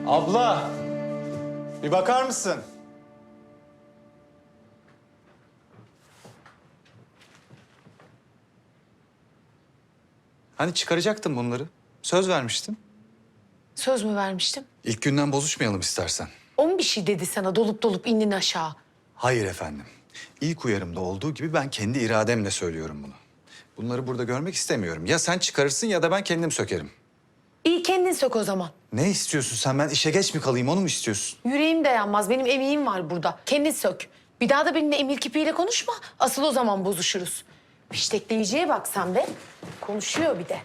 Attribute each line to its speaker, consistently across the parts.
Speaker 1: Abla, bir bakar mısın? Hani çıkaracaktın bunları? Söz vermiştin.
Speaker 2: Söz mü vermiştim?
Speaker 1: İlk günden bozuşmayalım istersen.
Speaker 2: O mu bir şey dedi sana dolup dolup indin aşağı?
Speaker 1: Hayır efendim. İlk uyarımda olduğu gibi ben kendi irademle söylüyorum bunu. Bunları burada görmek istemiyorum. Ya sen çıkarırsın ya da ben kendim sökerim.
Speaker 2: İyi kendin sök o zaman.
Speaker 1: Ne istiyorsun sen? Ben işe geç mi kalayım, onu mu istiyorsun?
Speaker 2: Yüreğim dayanmaz. Benim emeğim var burada. Kendin sök. Bir daha da benimle emir kipiyle konuşma. Asıl o zaman bozuşuruz. Fiştekleyiciye bak sen be. Konuşuyor bir de.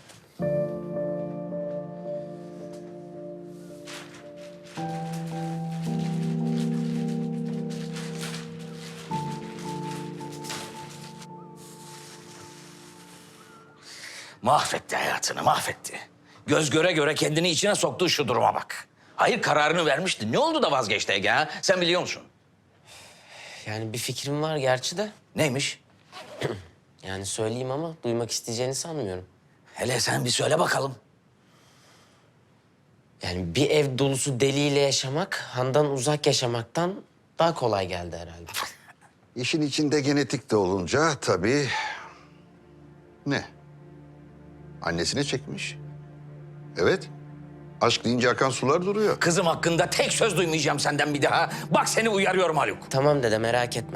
Speaker 3: Mahvetti hayatını, mahvetti. Göz göre göre kendini içine soktuğu şu duruma bak. Hayır, kararını vermişti. Ne oldu da vazgeçti Ege ha? Sen biliyor musun?
Speaker 4: Yani bir fikrim var gerçi de.
Speaker 3: Neymiş?
Speaker 4: Yani söyleyeyim ama duymak isteyeceğini sanmıyorum.
Speaker 3: Hele sen bir söyle bakalım.
Speaker 4: Yani bir ev dolusu deliyle yaşamak, Handan uzak yaşamaktan daha kolay geldi herhalde.
Speaker 5: İşin içinde genetik de olunca tabii... Ne? Annesine çekmiş. Evet. Aşk deyince akan sular duruyor.
Speaker 3: Kızım hakkında tek söz duymayacağım senden bir daha. Bak seni uyarıyorum Haluk.
Speaker 4: Tamam dede merak etme.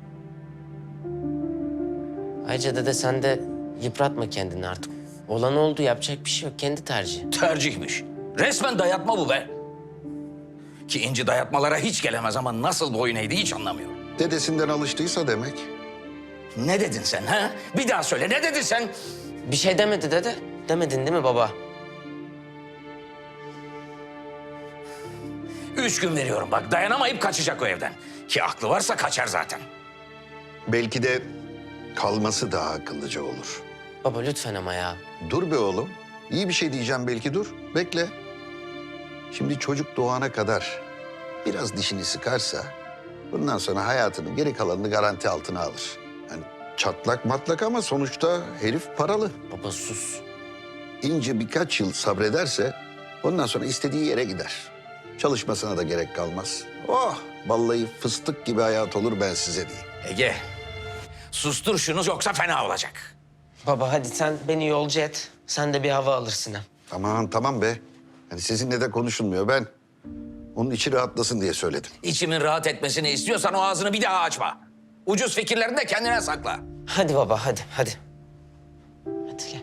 Speaker 4: Ayrıca dede sen de yıpratma kendini artık. Olan oldu yapacak bir şey yok. Kendi tercihi.
Speaker 3: Tercihmiş. Resmen dayatma bu be. Ki İnci dayatmalara hiç gelemez ama nasıl boyun eğdi hiç anlamıyorum.
Speaker 5: Dedesinden alıştıysa demek.
Speaker 3: Ne dedin sen ha? Bir daha söyle, ne dedin sen?
Speaker 4: Bir şey demedi dede. Demedin değil mi baba?
Speaker 3: 3 gün veriyorum bak, dayanamayıp kaçacak o evden. Ki aklı varsa kaçar zaten.
Speaker 5: Belki de kalması daha akıllıca olur.
Speaker 4: Baba lütfen ama ya.
Speaker 5: Dur be oğlum. İyi bir şey diyeceğim belki, dur. Bekle. Şimdi çocuk doğana kadar biraz dişini sıkarsa... bundan sonra hayatının geri kalanını garanti altına alır. Yani çatlak matlak ama sonuçta herif paralı.
Speaker 4: Baba sus.
Speaker 5: İnce birkaç yıl sabrederse ondan sonra istediği yere gider. Çalışmasına da gerek kalmaz. Oh, vallahi fıstık gibi hayat olur, ben size diyeyim.
Speaker 3: Ege, sustur şunu yoksa fena olacak.
Speaker 4: Baba hadi sen beni yolcu et. Sen de bir hava alırsın hem.
Speaker 5: Aman tamam be. Yani sizinle de konuşulmuyor. Ben onun içi rahatlasın diye söyledim.
Speaker 3: İçimin rahat etmesini istiyorsan o ağzını bir daha açma. Ucuz fikirlerini de kendine sakla.
Speaker 4: Hadi baba hadi hadi. Hadi gel.